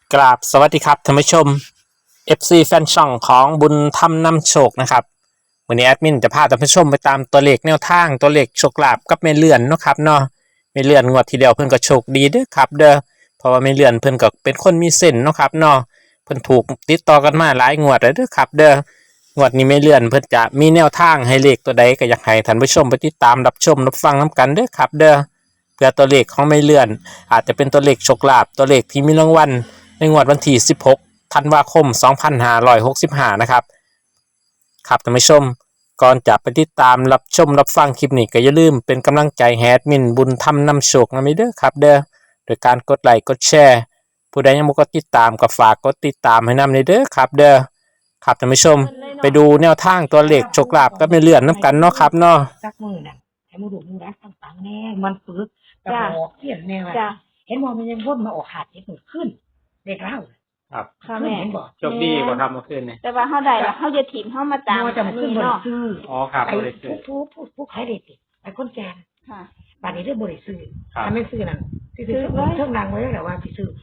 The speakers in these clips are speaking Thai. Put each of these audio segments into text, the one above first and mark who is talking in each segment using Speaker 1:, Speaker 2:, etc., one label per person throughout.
Speaker 1: กราบสวัสดีครับท่านผู้ชม FC แฟนช่องของบุญธรรมนำโชคนะครับวันนี้แอดมินจะพาท่านผู้ชมไปตามตัวเลขแนวทางตัวเลขโชคลาภกับแม่เลื่อนเนาะครับเนาะแม่เลื่อนงวดทีเดียวเพิ่นก็โชคดีเด้อครับเด้อเพราะว่าแม่เลื่อนเพิ่นก็เป็นคนมีเส้นเนาะครับเนาะเพิ่นถูกติดต่อกันมาหลายงวดแล้วเด้อครับเด้องวดนี้แม่เลื่อนเพิ่นจะมีแนวทางให้เลขตัวใดก็อยากให้ท่านผู้ชมไปติดตามรับชมรับฟังนํกันเด้อครับเด้อเพื่อตัวเลขของแม่เลื่อนอาจจะเป็นตัวเลขโชคลาภตัวเลขที่มีรางวัลในงวดวันที่16ธันวาคม2565นะครับครับท่านผู้ชมก่อนจะไปติดตามรับชมรับฟังคลิปนี้ก็อย่าลืมเป็นกำลังใจให้แอดมินบุญธรรมนำโชคนะมิเด้อครับเด้อโดยการกดไลค์กดแชร์ผู้ใดยังบ่กดติดตามก็ฝากกดติดตามให้นำเด้อครับเด้อครับท่านผู้ชมไปดูแนวทางตัวเลขโชคลาภกับแม่เลื่อนนํกันเนาะครับเนาะ
Speaker 2: สักมือน่ะให้มูดูมูรักต่างๆแน่มันปึกกระบอกเขียนแนวเห็นว่ามันยังวนมาออกขาดเจ็ดหนึ่งขึ้นเด็กเล่า
Speaker 1: ครับ
Speaker 2: ค่ะแม่เห็นบอก
Speaker 1: โชคดีบ่ครับเมื่อคืนนี้
Speaker 3: แต่ว่าเฮาได้ละเฮาจะถิ่มเฮามาตาม
Speaker 2: มัจะมาขึ้นบริ
Speaker 3: เนาะ
Speaker 2: ซื้อ
Speaker 1: อ๋อครับ
Speaker 2: ไอ้
Speaker 1: บ่ได้ซื้อ
Speaker 2: ผู้ขายเด็ดติไอ้คนแก่
Speaker 3: ค่ะ
Speaker 2: บาดนี้เรื่องบริซื้อ
Speaker 1: ครับ
Speaker 2: ถ้าไม่ซื้อนั่นที่ซื้อเครื่องรางไว้แล้วว่าที่ซื้อ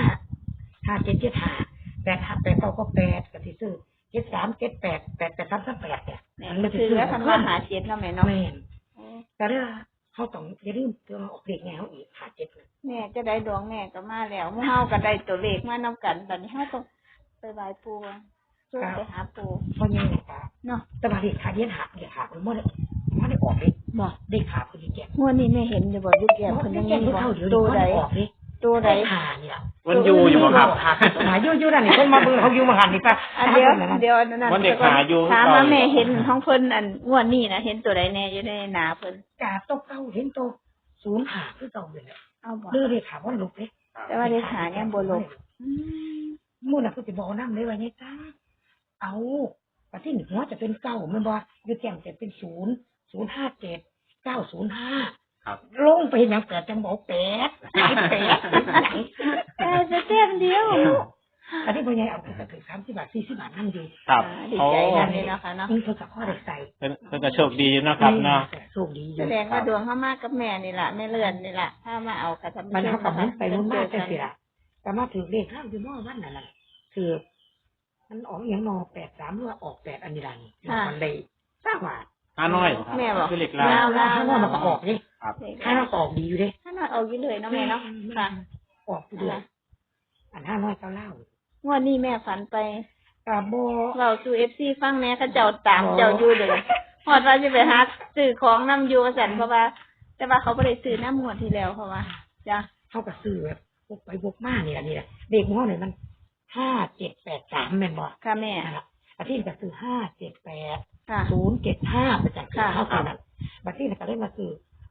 Speaker 2: 5 7 7 5 8 8 9 ก็8กับที่ซื้อ7 3 7 8 8 8 3 3 8เนี่ย
Speaker 3: แม่นคือแล้วคันว่าหาเจ็ดเนาะแม่เนาะ
Speaker 2: แม่นแต่เรื่องเขาต้องอย่าลืมเตือนออกเด็กแนวอีกขาดเจ็ดนะ
Speaker 3: แม่จะได้ดวงแม่ก็มาแล้วหมู่เฮาก็ได้ตัวเลขมานำกันตอนนี้เฮาต้องไปไหว้ปู่ช่วยไปหาปู่
Speaker 2: เพราะยังไงตา
Speaker 3: เนาะ
Speaker 2: แต่ว่าเด็กขาเดียนหักเด็กขามันไม่ได้ออกเลย
Speaker 3: บ่
Speaker 2: เด็กขาคนที่แก่
Speaker 3: งวดนี้แม่เห็นอยู่บ่อยู่แก้มเพิ่นยัง
Speaker 2: แก่
Speaker 3: มี
Speaker 2: เท่า
Speaker 3: บ่
Speaker 2: เดียว
Speaker 3: ตัวใด
Speaker 2: ออกเลย
Speaker 3: ตัวใด
Speaker 2: ขาเนี่ย
Speaker 1: มันอยู่บ่ครับ
Speaker 2: หาอยู่นั่นนี่คนมาเบิ่งเขาอยู่มาหันนี่ป่ะ
Speaker 3: อันเดียวนั่น
Speaker 1: วันเด็กหาอยู่
Speaker 3: ถามว่าแม่เห็นของเพิ่นอันงวดนี้นะเห็นตัวใดแน่อยู่ในหน้าเพิ่น
Speaker 2: กาโตเก้าเห็นโต0หาคือเก่าเลย
Speaker 3: เอาบ่
Speaker 2: เลือดเด็กขาว่าลุกเลย
Speaker 3: แต่ว่าเลขาเนี่ยบ่ลงอืม
Speaker 2: มู่น่ะคือจะบอกนั่งเลยว่าเนี่ยจ้าเอาปที่หนึ่งว่าจะเป็นเก้ามันบอกอยู่แจ่มจะเป็น0 0 5 7 9 0 5
Speaker 1: ครับ
Speaker 2: ลงไปอย่าง8จังบอก8หาย8
Speaker 3: แต่จะเต้มเดียว
Speaker 2: อันนี้พ่อใหญ่เอาไปถึง30 บาท40 บาทนั่นดี
Speaker 1: ครับ
Speaker 3: ดีใจนั่นนี่เนาะค่ะเนาะ
Speaker 2: นี่เขากับพ่อได้ใส่
Speaker 1: เพิ่นก็โชคดีเนาะครับเนาะ
Speaker 2: โชคดีอ
Speaker 3: แส
Speaker 2: ยู่
Speaker 3: ดงว่าดวงเขามากกับแม่นี่แหละแม่เลื่อนนี่แหละถ้ามาเอากระทำ
Speaker 2: มันเขากับมันไปรุ่นมากแต่สิละแต่มาถือเลขห้ามคือนอวันนั่นแหละคือมันออกอย่างนอ83หรือว่าออก8อันนี้ลันมันได้ทราบว่า
Speaker 1: ห้าน้อยครับ
Speaker 3: แม่บอก
Speaker 1: คือเหล็กลา
Speaker 2: แล้วถ้านอมันก็ออกดิ
Speaker 1: ครับ
Speaker 2: ถ้านอก็ออกดีอยู่ดิ
Speaker 3: ถ้านอนเอาอยู่เลยเนาะแม่เนาะค่ะ
Speaker 2: ออกอยู่ด้วยอัน500ก็เล่าง
Speaker 3: วดนี้แม่ฝันไป
Speaker 2: กาโบ
Speaker 3: เราสู่FCฟังแม่เขาเจ้าตามเจ้าอยู่เลยฮอดว่าจะไปหาซื้อของนำอยู่สั่นเพราะว่า แต่ว่าเขาบ่ได้ซื้อน้ำงวดที่แล้วเพราะว่าจ้ะ
Speaker 2: เขากับซื้อแบบพวกไปพวกมานี่แหละนี่แหละเด็กมันเนี่ยมัน5783แม่นบ่
Speaker 3: ค่ะแม่
Speaker 2: นั่นแหละอาทิตย์ก็คือ578
Speaker 3: ค่ะ
Speaker 2: 075ไปจาก
Speaker 3: ค่ะ
Speaker 2: เขาตอนนั้นบัดนี้ก็ได้มาซื้อ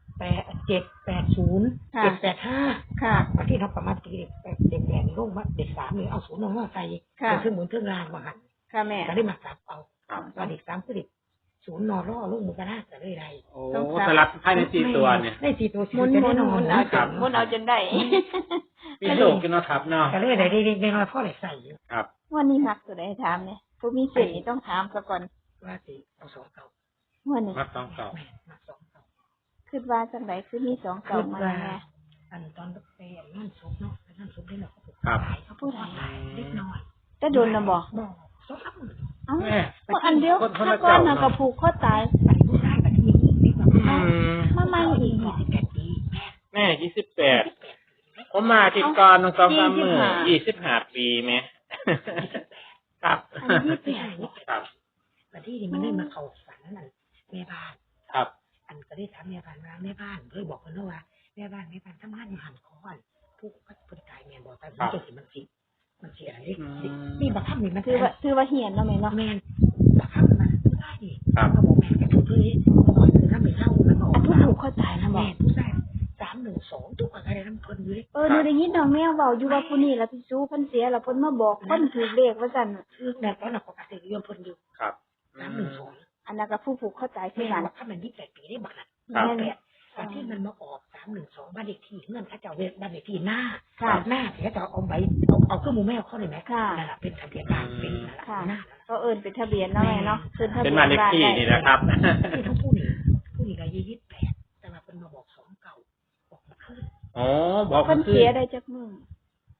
Speaker 2: 780
Speaker 3: ค่ะ
Speaker 2: 785
Speaker 3: ค่ะ
Speaker 2: บัดนี้เขาประมาณตีเด็กแดงลงมาเด็ก3เลยเอา0ลงมาใส่
Speaker 3: ค่ะ
Speaker 2: เป็นเครื่องหมุนเครื่องรางมาหัน
Speaker 3: ค่ะแม่
Speaker 2: ก็ได้มาสับเอา
Speaker 1: ครับ
Speaker 2: ตอนเด็ก3คือเด็ก0นอร่อลงมือกระนาก็เลยได้
Speaker 1: โอ้สลัดภายใน4ตัวเนี่ย
Speaker 2: ได้4ตัว4
Speaker 3: หมุน
Speaker 2: จะ
Speaker 3: หมุ
Speaker 2: ได้
Speaker 3: น
Speaker 2: นอ
Speaker 3: หมุ
Speaker 2: น
Speaker 3: นเอาจนหมุนเอาจนได้
Speaker 1: มีโชคกันเนาะครับเนาะ
Speaker 2: ก็เลยได้ได้น้อยพ่อเลยใส่อยู่
Speaker 1: ครับ
Speaker 3: วันนี้มักตัวใดถามเนี่ยผู้มีเสียงนี่ต้องถามซะก่อน
Speaker 2: ว่าสิเอา2เก่า
Speaker 3: วันนี้
Speaker 1: มักต้องเก่า
Speaker 2: แม่มา2เก่า
Speaker 3: คิดว่าจังไดคือมีสองเก่ามาแน่
Speaker 2: อันตอนไปนั่นซุปเนาะนั่นซุปได้หรอก
Speaker 1: ครับ
Speaker 2: เขาพูดอะไรเล็กน้อย
Speaker 3: แต่โดนนะบ่
Speaker 2: บอกสองอัน
Speaker 3: เอ้า
Speaker 1: แม่
Speaker 3: บ่อันเดียว
Speaker 1: คน
Speaker 3: ถ้า
Speaker 1: ละ
Speaker 3: ก้อน
Speaker 1: เจ้า
Speaker 3: น่ะก็ผูกคอตาย
Speaker 2: อันผู้ชายแบบนี้นี่แบบ
Speaker 1: อืม
Speaker 3: มาใหม่อีกบ่
Speaker 2: 28 ปี
Speaker 1: แม่28ผมมาที่ก่อน2-3มื้อ25 ปีแม่ครับ
Speaker 3: อันนี้เปลี่ยน
Speaker 1: ครับ
Speaker 2: แต่ที่นี่มันได้มาเข้าฝันนั่นแม่บ้าน
Speaker 1: ครับ
Speaker 2: อันก็ได้ถามแม่บ้านว่าแม่บ้านเคยบอกกันว่าแม่บ้านทำงานอยู่หันคอนผู้คนตายแม่บอกแต่มันจะสิมันสิอะไรนี่บักคับนี่มัน
Speaker 3: ถือว่าเหียนเนาะแม่เนาะ
Speaker 2: แม่บักคับมันได้ดิเขาบอกแม่แกพูดเลยบอกคือถ้าไม่เล่ามันออ
Speaker 3: อั
Speaker 2: ก
Speaker 3: นผู้ผูกคอตายนะบ่
Speaker 2: แม่ผู้ชาย312ทุกอะไรน้ำคนอยู่เลย
Speaker 3: หนูได้ยินน้องแมวเว้าอยู่ว่าผู้นี้ล่ะพี่ซูเพิ่นเสียแล้วเพิ่นมาบอกเพิ่นถูกเลขว่าซั่น
Speaker 2: คือแม่ตอนนั้นปกติยอมคนอยู่
Speaker 1: ครับ
Speaker 2: 312
Speaker 3: อันนั้นก็ผู้ผูกคอตายคือ
Speaker 2: แม่
Speaker 3: กัน
Speaker 2: บักคับมัน28 ปีได้บักนั้น
Speaker 3: แม่น
Speaker 2: ตอนที่มันมาออก312บ้านเด็กที่เงื่อนเขาจะเอาบ้านเด็กที่หน้า
Speaker 3: ค่ะ
Speaker 2: หน้าที่เขาจะเอาใบเอาเครื่องมือแม่เขาเลยไหม
Speaker 3: ค่ะ
Speaker 2: นั่นแหละเป็นทะเบียนบ้านเป็นนั่นแหละ
Speaker 3: ค่ะ
Speaker 2: หน้า
Speaker 3: ก็เอิ้นเป็นทะเบียนเนาะแม่เนาะขึ้นทะ
Speaker 1: เป็
Speaker 3: เบี
Speaker 1: น
Speaker 3: ยน
Speaker 1: บ้านเลข
Speaker 3: บ้าน
Speaker 1: ที่
Speaker 3: ได้
Speaker 1: นี่นะครับ
Speaker 2: ที่เขาพูดนี่ก็28แต่ว่าเป็นมาบอก2เก่าออกมาขึ้น
Speaker 1: อ๋อบอก
Speaker 3: เพิ่น
Speaker 1: คือ
Speaker 3: เสียได้จักมื้อ
Speaker 2: มัน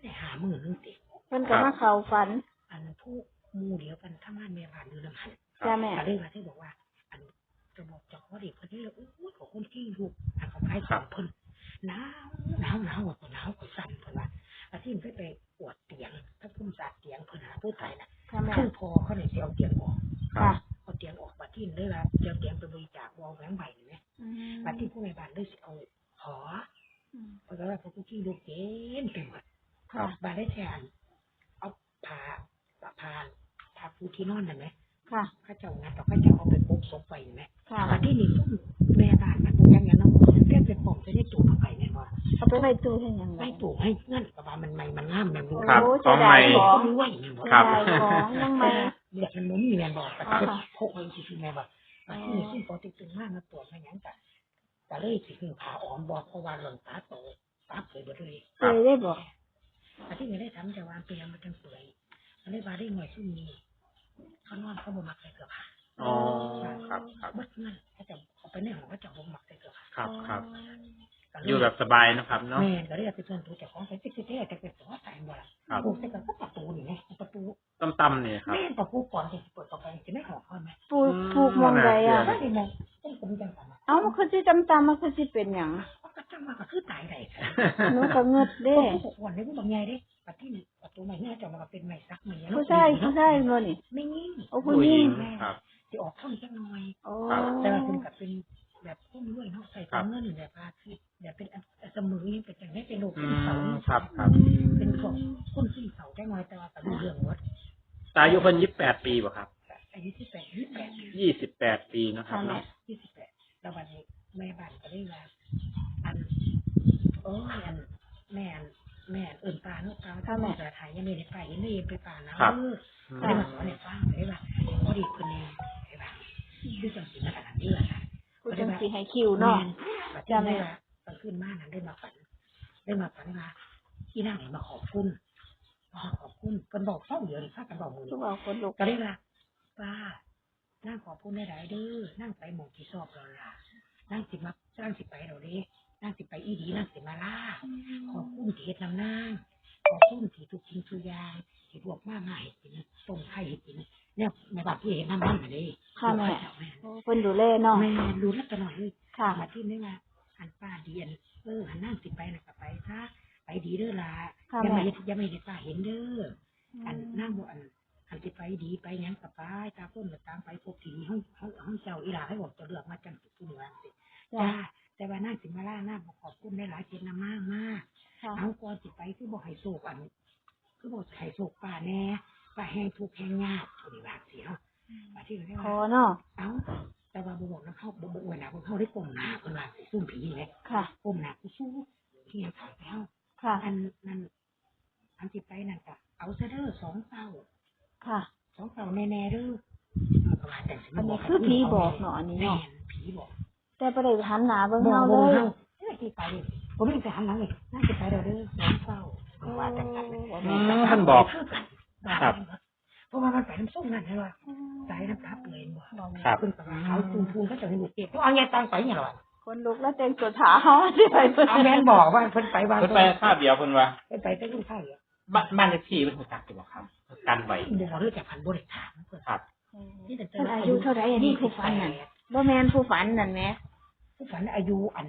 Speaker 2: ได้หามือนึงติ
Speaker 3: เพิ่นก็มาเข้าฝัน
Speaker 2: อันผู้หมู่เดียวกันทำงานแม่บ้านอยู่นำหัน
Speaker 3: จ้าแม่
Speaker 2: ก็เลยว่าที่บอกว่า อันจะบอกเจ้าของเด็กเพิ่นนี่เลยโอ้ยขอคนที่ลูกอันเขาขายของเพิ่นหนาวกว่าหนาวกว่าสั่นเพิ่นว่าอาที่มันไปปวดเตียงถ้าพุ่มสาดเตียงเพิ่นหาผู้ตายน่ะ
Speaker 3: ค่ะแม่
Speaker 2: คือพอเขาเนี่ยสิเอาเตียงออก
Speaker 3: ค่ะ
Speaker 2: เอาเตียงออกบัดที่เลยว่าเตียงไปบริจาควอลแหวนใบนี่แหม
Speaker 3: อืม
Speaker 2: บัดที่ผู้ในบ้านเลยสิเอาขอเพราะว่าพวกที่ลูกเต็มไปหมด
Speaker 3: ค่ะ
Speaker 2: บ้านได้แทนเอาผ้าปูที่นอนนั่นไหม
Speaker 3: ค่ะ
Speaker 2: ข้าเจ้างัดต่อข้าเจ้าเอาไปปุ๊บศพไปไหม
Speaker 3: ค่ะ
Speaker 2: บัดที่นี่ซุ่มแม่บ้านมันเป็นยังไงเนาะเรียกเป็นปมจะได้จูบเข้าไปเนี่ยว่า
Speaker 3: เอาไปไว้ตู้ให้หยังไง
Speaker 2: ไม่จูบให้เงื่อนกับว่ามันใหม่มันงามแม่รู้
Speaker 1: ครับ
Speaker 3: โอ้
Speaker 1: ของใหม่
Speaker 3: เสียดายของ
Speaker 2: รวยแม่บอก
Speaker 1: ครับ
Speaker 3: ได้ของยังไม่
Speaker 2: เลือดมันมุ้มีแม่บอกแต่
Speaker 3: อ๋อ
Speaker 2: ก็
Speaker 3: ค่ะ
Speaker 2: พกไว้ที่แม่บอกบัดที่นี่ซุ่มปอติดตึงมากมาตรวจมาอย่างแต่เลยสิคือผ่าอ้อมบอกเพราะว่าหล่นตาโตตาเผยหมดเลย
Speaker 3: เคยได้บอก
Speaker 2: แต่ที่ไม่ได้ทำแต่ว่าเปลี่ยนมาจังสวยมันได้มาได้หน่วยซุ่มนี้เขานอนเขาบ่มักใส่เสื้อผ้า
Speaker 1: อ๋อครับครับ
Speaker 2: เบิดเงินเขาจะเอาไปในห้องเขาจะบ่มักใส่เสื้อผ้า
Speaker 1: ครับครับ
Speaker 2: ก็เล
Speaker 1: อยู่แบบสบายนะครับเนาะ
Speaker 2: แม่ก็เลยเอาไปส่วนตัวจากของใส่ติ๊กติ๊กแต่เป็นตัวใส่บ่ล่ะ
Speaker 1: ครับ
Speaker 2: ปลูกใส่กับประตูนี่ไงประตู
Speaker 1: ต่ำๆนี่ครับ
Speaker 2: แม่ประตูก่อนที่จะเปิดต่อไปจะไม่ออกก่อนไหม
Speaker 3: ปลูกปลูกมองใดอ่ะ
Speaker 2: ก็ได้มองต้องผมจังสัน
Speaker 3: เอ้ามันคือสิตำๆมันคือสิเป็นหยัง
Speaker 2: เขาก็จังว่าก็คือตายได้
Speaker 3: หนูก็เงิดเด้
Speaker 2: ผู้คนได้ผู้บางใหญ่เด้ประตูนี่ประตูใหม่เนี่ยจะมาเป็นใหม่ซักใหม่
Speaker 3: ผู้ชายบ่นี่
Speaker 2: ไม่ยิ่ง
Speaker 3: โอ้ผู้หญิง
Speaker 1: ครับ
Speaker 2: จะออกท่อนจังหน่อย
Speaker 3: โอ้
Speaker 2: แต่ว่าเป็นกับเป็นแบบพุ่มด้วยเนาะใส่ตามเงินแบบพาทิตแบบเป็นเสมอยังเป็นอย่างนี้เป็นโลก
Speaker 1: อื
Speaker 2: เป็นเสาม
Speaker 1: ครับครับ
Speaker 2: เป็นของคนที่เสาได้น้อยแต่ว่าแต่เรื่องวัด
Speaker 1: ตาอายุเพิ่น28 ปีบ่ครับ
Speaker 2: อายุที่28
Speaker 1: 28 ปีนะครับเนาะ
Speaker 2: 28แล้ววันนี้แม่บ้านก็ได้ว่าอันโอ้ยอันแม่เอิ่นปลาเนาะปลาถ้าแม่จะถ่ายยังไม่ได้ไปยังไม่เห็นไปป่านะได้มาสอนให้ฟังได้ว่าพอดีคนนี้ได้ว่าคือจังสิมาขนาดนี้แหละค่ะ
Speaker 3: ผู้จังสิให้คิวเนาะ
Speaker 2: จำได้ว่าตอนขึ้นมานั้นได้มาฝันว่าที่นั่งมาขอบคุณคนบอกเศร้าเดียวเลยข้ากันบอกมือ
Speaker 3: ทุกเอาคนลุก
Speaker 2: ก็ได้ว่าป้านั่งขอบคุณได้หลายเด้อนั่งไปหมองที่ชอบเราล่ะนั่งสิมานั่งสิไปเราเด้นั่งสิไปอีดีนั่งสิมาล่าขอบคุณที่เฮ็ดนำนางขอบคุณที่ทุกสิ่งทุกอย่างที่พวกมาให้กินต้มไข่ให้กินเนี่ยแม่บ้านผู้เห็นน้ำมันเลย
Speaker 3: ค่ะแม่โอ้เพิ่นดูแลเนาะ
Speaker 2: แม่ดูแลตลอดเลย
Speaker 3: ค่ะ
Speaker 2: มาที่นี่ว่าอันป้าเดียนหันนั่งสิไปนะก็ไปซะไปดีเด้อล่ะ
Speaker 3: ค่ะ
Speaker 2: ยัง
Speaker 3: แม่
Speaker 2: ไม่เห็นป้าเห็นเด้ออันนั่งบ่อันสิไปดีไปยังกับป้าตาพ้นกับตามไปพบทีห้องเจ้าอีหลาให้บอกจะเลือกมาจังสิผู้นี้ว่าสิจ้าแต่ว่านั่งสิมาล่านั่งขอบคุณได้หลายเจนมากมาก
Speaker 3: ค่ะ
Speaker 2: เอาก่อนสิไปคือบอกให้โศกอันคือบอกให้โศกป้าแน่ป้าแห้งทุกข์แห้งยากผู้นี้ว่าสิเนาะมาที่นี่
Speaker 3: ขอ
Speaker 2: ว่า
Speaker 3: เนาะ
Speaker 2: เอาแต่ว่าบอกนะเขาบอกเวลาเขาได้กลมหนาคนละซุ่มผีเลย
Speaker 3: ค่ะ
Speaker 2: กลมหนากูสู้เที่ยงขายแล้ว
Speaker 3: ค่ะ
Speaker 2: อันที่ไปนั่นก็เอาซะเด้อ2 เต้า
Speaker 3: ค่ะ
Speaker 2: 2 เต้าแน่ๆเด้อว่าแต่
Speaker 3: อันนี้คือผีบอกเนาะอันนี้
Speaker 2: แม่
Speaker 3: เนาะ
Speaker 2: ผีบอก
Speaker 3: แต่บ่ได้หันหน้าเบิ่ง
Speaker 2: บอก
Speaker 3: เฮา
Speaker 2: เล
Speaker 3: เลย ย
Speaker 2: ที่ไปผมไม่จะหันหลังเลยน่าจะไปเด้อ2 เต้าว่าแต่กัน
Speaker 1: ท่านบอก
Speaker 2: ครับ เพราะว่ามันไปน้ำส้มนั่นใช่ป่ะสายน้ำตาเปลี่ยนบ่
Speaker 1: ครับ
Speaker 2: ขึ้นไปเขาพูนก็จะให้ลูกเก็บเอาไงตังไปเนี่ยหรอ
Speaker 3: คนลุกแล้วแต่งตัวถาเฮาสิไปเพิ่น
Speaker 2: เอาแม่นบอกว่าเพิ่นไปบ้าน
Speaker 1: เพิ่นไปคาบเดียวเพิ่นว่า
Speaker 2: เพิ่นไปแต่ลูกข้าวเหรอ
Speaker 1: บ้านเลขที่เพิ่นรู้จักอยู่บ่ครับกันไว้
Speaker 2: บอกเรื่องจากพันบริถามเพิ่น
Speaker 1: ครับ
Speaker 2: นี่แต่
Speaker 3: เพิ่นอายุเท่าใดอันนี้ผู้ฝันนั่นบ่แม่นผู้ฝันนั่นแหม
Speaker 2: ผู้ฝันอายุอัน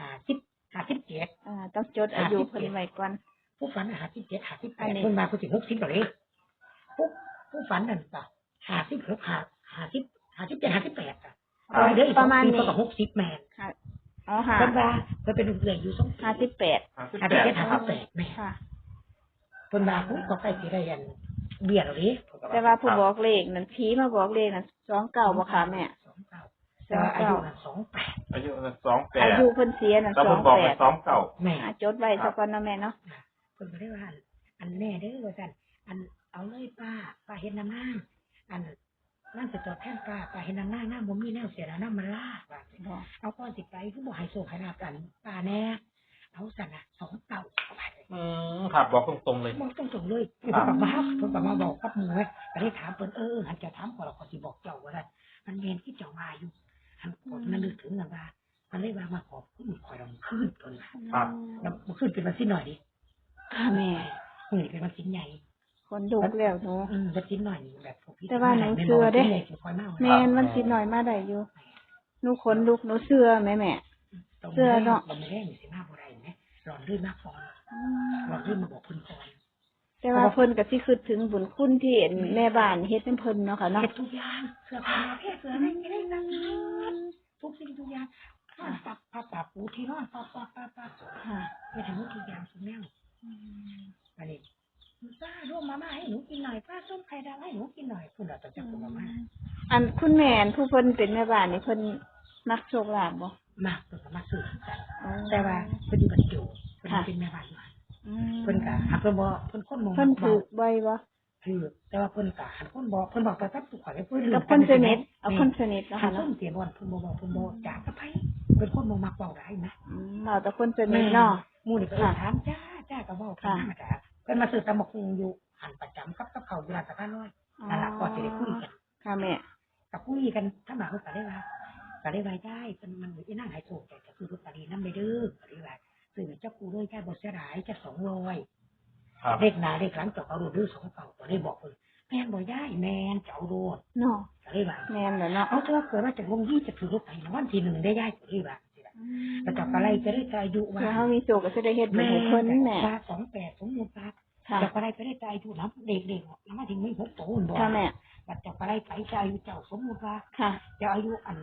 Speaker 2: 57
Speaker 3: ต้องจดอายุเพิ่นไว้ก่อน
Speaker 2: ผู้ฝัน57 58เพิ่นมาผู้สิ60แล้วเลยผู้ฝันนั่นก็56 57 58อ่ะเด้ออีกประมาณนี้ก็60แม่น
Speaker 3: ค่ะอ๋อค่ะ
Speaker 2: เพิ่นว่าเพิ่นเป็นลูกเรืออยู่2
Speaker 3: 58
Speaker 2: 58แม่
Speaker 3: ค่ะ
Speaker 2: เพิ่นว่าผู้ก็ใกล้สิได้อันเบี้ยแล้วเด้
Speaker 3: แต่ว่าผู้บอกเลขนั่นผีมาบอกเลขนั่น29บ่ค่ะแม่
Speaker 2: 29แต่ว่าอายุน่ะ28
Speaker 1: อายุ
Speaker 3: อายุเพิ่นเสียนั่น
Speaker 1: แล้วเพิ่นบอกว่า
Speaker 3: 28
Speaker 2: แม่
Speaker 3: จดไว้ซะก่อนเนาะแม่เนาะ
Speaker 2: เพิ่นก็ได้ว่าอันแน่เด้อว่าซั่นอันเอาเลยป้าเฮ็ดน้ำนางอันนั่นสิตอบแทนป้าเฮ็ดน้ำนางน้ำบ่มีแนวเสียแล้วน้ำมันลาว่าซั่นเอาก่อนสิไปคือบ่ให้โชคให้ลาบกันป้าแน่เอาซั่นน่ะ2 เต่าเอาไป
Speaker 1: ครับบอกตรงๆเลย
Speaker 2: บอกตรงๆเลยเพิ่นก็มาบอกกับหมู่ไว้ก็ได้ถามเพิ่นหันจะถามก่อนแล้วก็สิบอกเจ้าว่าซั่นมันแม่นที่เจ้าว่าอยู่หันกดมันนึกถึงนั่นว่ามันเลยว่ามาขอบคุณข่อยลองคืนเพิ่นว่า
Speaker 1: ครับ
Speaker 2: แล้วมาขึ้นเป็นวันที่หน่อยดิ
Speaker 3: ค่ะแม่
Speaker 2: มื้อนี้เป็นวันสินใหญ่
Speaker 3: คนดุกแล้วหนู
Speaker 2: วันสินหน่อยแบบพวกพี่
Speaker 3: แต่ว่าหนูเชื่อเด้
Speaker 2: ใหญ่สิคอยมา
Speaker 3: แม่นมันสิหน่อยมาได้อยู่หนูขนลุกหนูเชื่อแม่ เชื่อเนาะ
Speaker 2: เราไม่ได้สิมาบ่ได้แหมร้อนรื่นมากพอร้อนรื่นมาบอกเพิ่นก่อน
Speaker 3: แต่ว่าเพิ่นก็สิคิดถึงบุญคุณที่เห็นแม่บ้านเฮ็ดให้เพิ่นเนาะค่ะเนาะ
Speaker 2: เฮ็ดทุกอย่างเสื้อผ้าเพศเสื้ออะไรไม่ได้นั่งทุกสิ่งทุกอย่างปับปูที่นอนปับ
Speaker 3: ค่ะ
Speaker 2: เฮ็ดให้หมดทุกอย่างสุดแนวอันนี้ป้าร่วมมาม่าให้หนูกินหน่อยป้าส้มไข่ดาวให้หนูกินหน่อยคุณเราต้องจับมาม่า
Speaker 3: อันคุณแม่นผู้เพิ่นเป็นแม่บ้านนี่เพิ่นมักโชคลาภบ่
Speaker 2: มาเพิ่นก็มาซื้อกัน
Speaker 3: อ๋อ
Speaker 2: แต่ว่าเพิ่นอยู่บัดอยู่เพิ่นเป็นแม่บ้านมา
Speaker 3: อืม
Speaker 2: เพิ่นก็หาเพิ่นบ่เพิ่นคนมอง
Speaker 3: เพิ่นถูกบ่อยบ่
Speaker 2: ถือแต่ว่าเพิ่นก็หันคนบอกเพิ่นบอกไปกับผู้ข่อยเพิ่น
Speaker 3: กับคนสนิทเอาคนสนิทเนาะ
Speaker 2: หั
Speaker 3: ค่ะ
Speaker 2: นต้
Speaker 3: เนาะ
Speaker 2: นเตียนวันเพิ่นบ่บอกเพิ่นบ่จากกับไผเป็นคนบ่มักเว้าได้นะ
Speaker 3: เราแต่คนสนิทเนาะ
Speaker 2: หมู่นี่ก็ถามจ้าก็เว้ากันธรรมดาเพิ่นมาซื้อตำบักหุ่งอยู่หันประจำกับเขาเวลาตะการน้อยนั่นล่ะก็สิได้คุยกัน
Speaker 3: ค่ะแม่
Speaker 2: ก็คุยกันถ้ามาเพิ่นก็ได้ว่าได้เพิ่นมันอีนางให้โชคแต่ก็คือลอตเตอรี่นำไปเด้อก็ได้ว่าซื้อเจ้ากูเลยจ้าบ่เสียดายจ้า200
Speaker 1: ครับ
Speaker 2: เลขหน้าเลขหลังจบเอาโดดดื้อ2เก่าก็ได้บอกเพิ่นแม่นบ่ย้ายแม่นจะเอาโดด
Speaker 3: เนาะ
Speaker 2: ก็ได้ว่า
Speaker 3: แม่นแหละเนาะ
Speaker 2: เอาเถอะเกิดว่าจะลงยี่จะถือรถไถนะวันที่1ได้ย้ายก็ได้ว่าแล้วจับอะไรจะได้อายุว่า
Speaker 3: แล้วเฮามีโชคก็สิได้เฮ็ดบุญให้เพิ่นแม่
Speaker 2: ตา28สมมุติว่า
Speaker 3: ค่ะ
Speaker 2: จับอะไรไปได้อายุนะเด็กๆแล้วมาถึงไม่6โตนบ่
Speaker 3: ค่ะแม่
Speaker 2: บัดจับอะไรไปจะอายุเจ้าสมมุติว่า
Speaker 3: ค่ะ
Speaker 2: จะอายุอัน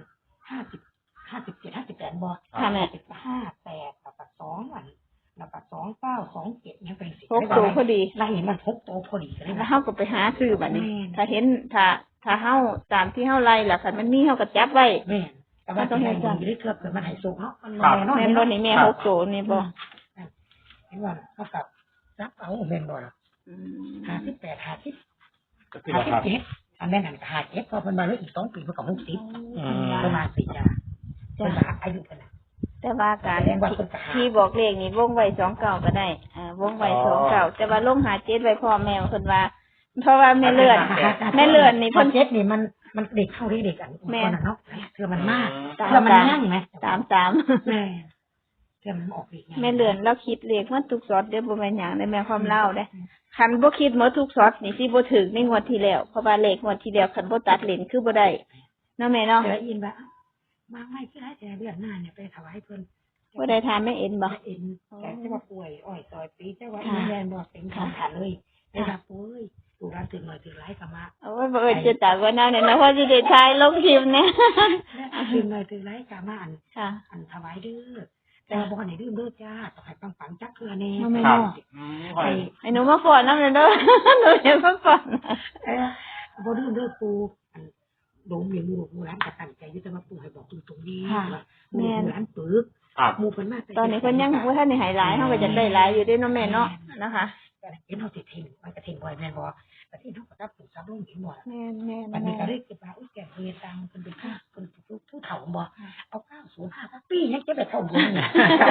Speaker 2: 50 57 58บ่
Speaker 3: ค่ะแม่
Speaker 2: 58แล้วก็2อันแล้วก็29 27ยังเป็นสิ
Speaker 3: 6ตัวพอดี
Speaker 2: แล้วเห็นมัน6โตพอดีก็ได้
Speaker 3: แล้ว
Speaker 2: ว่า
Speaker 3: เฮาก็ไปหาซื้อบัดนี้
Speaker 2: แม่น
Speaker 3: ถ้าเห็นถ้าเฮาตามที่เฮาไล่ล่ะคันมันมีเฮาก็จับไว้
Speaker 2: แม่นแต่ว่าต้องให้ดูอยู่ได้เกือบเกิดมันหายโศกเนาะมัน
Speaker 1: ครับ
Speaker 2: แน่นอน
Speaker 3: แม่นบ่นี่แม่6ตัวนี่บ่
Speaker 2: เห็นว่าเท่ากับรับเอาแม่นบ่ล่ะ
Speaker 3: อืม
Speaker 2: 58 50
Speaker 1: ก็คือว่าครับ
Speaker 2: 57อันแม่นอันก็57พอเพิ่นมาแล้วอีก2ปีเพิ่นก็60
Speaker 1: อืม
Speaker 2: ประมาณ4จ้าเพิ่นว่าอายุเพิ่นน่ะ
Speaker 3: แต่ว่าการ
Speaker 2: แสดงว่าเพิ่นก็หา
Speaker 3: ที่บอกเลขนี่วงไว้29ก็ได้วงไว้29แต่ว่าลงหา7ไว้พ่อแม่เพิ่นว่า เพราะว่าแม่เลื่อนนี่
Speaker 2: เพิ่
Speaker 3: เพิ่
Speaker 2: น
Speaker 3: น
Speaker 2: เจ็ดนี่มันเด็กเข้าเด็กอัน
Speaker 3: แม่
Speaker 2: คนน่ะเนาะเทื่อมันมาก
Speaker 3: ตาม
Speaker 2: เทื่อมันนั่งไหม
Speaker 3: ตาม
Speaker 2: แม่เทื่อมันออกอีกไง
Speaker 3: แม่เลื่อนเราคิดเลขมันทุกซอดเด้อบ่แม่นหยังได้แม่ความเล่าเด้คันบ่คิดหมดทุกซอดนี่สิบ่ถึงในงวดที่แล้วเพราะว่าเลขงวดที่แล้วคันบ่ตัดเลนคือบ่ได้เนาะแม่เนาะ
Speaker 2: เดี๋ยวอินว่ามาไม่คือได้แต่เดือนหน้าเนี่ยไปถวายเพิ่น
Speaker 3: บ่ได้ทานแม่เอ็นบ่
Speaker 2: เอ็นแต่จะว่าป่วยอ้อยซอยปีจะว่าอีแม่บอกเป็นของขันเลยได้รับป่วยถูกร้านถึงหน่อยถึงไรก็มา
Speaker 3: โอ้ยบ่เอิ้นจะตากว่าแนวเนี่ยนะเพราะสิได้ถ่ายลงคลิปเนี่ย
Speaker 2: ถึงหน่อยถึงไรก็มา
Speaker 3: ค่ะ
Speaker 2: อันถวายเด้อแต่ว่าบ่ให้ดื่มเด้อจ้าต้องให้ปังๆจักเทื่อแน่
Speaker 1: ครับ
Speaker 3: ให้หนูมาฟ้อนนำเด้อ หนูอยากมาฟ้อน
Speaker 2: บ่ดื่มเด้อปูอันโดมอย่างลูกร้านก็ตั้งใจอยู่แต่ว่าปู่ให้บอกตรงๆนี้ว่าหมู่ร้านปึก
Speaker 1: ครับ
Speaker 2: หมู่เพิ่นมา
Speaker 3: ตอนนี้เพิ่นยังบ่ทันได้ให้หลายเฮาก็จะได้หลายอยู่เด้เนาะแม่เนาะนะคะ
Speaker 2: เห็นเฮาสิทิ้งมันก็ทิ้งบ่แม่นบ่แต่ที่เฮาก็รับปู่ซับลงเห็นบ่
Speaker 3: แม่น
Speaker 2: วันนี้ก็เลยคิดว่าอุ้ยแกเรียนตังคนเป็นผู้เฒ่าบ่เอา905สักปียังจะไปเท่าบุญเนี่ย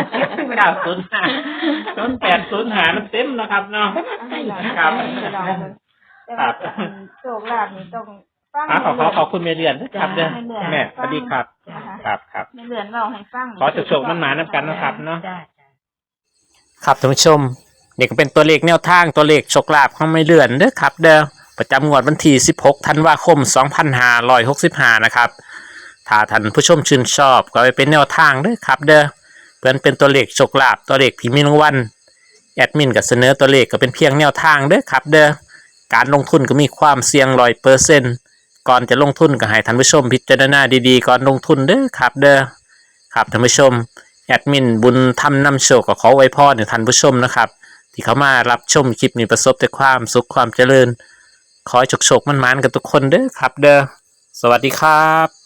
Speaker 1: 905 มันเต็มนะครับเนาะ ครับ ครับ
Speaker 3: โชคลาภนี่ต้องฟัง
Speaker 1: ขอบคุณแม่เรือนนะครับเด้อแม่สวัสดีครับ ครับ
Speaker 3: แม่เลื่อนเว้าให้ฟัง
Speaker 1: ขอโชคๆมันหมานำกันนะครับเนาะ
Speaker 2: จ้า
Speaker 1: ครับท่านผู้ชมนี่ก็เป็นตัวเลขแนวทางตัวเลขโชคลาภของไม่เลื่อนเด้อครับเด้อประจำงวดวันที่16ธันวาคม2565นะครับถ้าท่านผู้ชมชื่นชอบก็ไปเป็นแนวทางเด้อครับเด้อเพื่อนเป็นตัวเลขโชคลาภตัวเลขที่มีรางวัลแอดมินก็เสนอตัวเลขก็เป็นเพียงแนวทางเด้อครับเด้อการลงทุนก็มีความเสี่ยง100%ก่อนจะลงทุนก็ให้ท่านผู้ชมพิจารณาดีๆก่อนลงทุนเด้อครับเด้อครับท่านผู้ชมแอดมินบุญทำนำโชคก็ขอไว้พรให้ท่านผู้ชมนะครับที่เขามารับชมคลิปนี้ประสบแต่ความสุขความเจริญขอให้โชคๆมันๆกันทุกคนเด้อครับเด้อสวัสดีครับ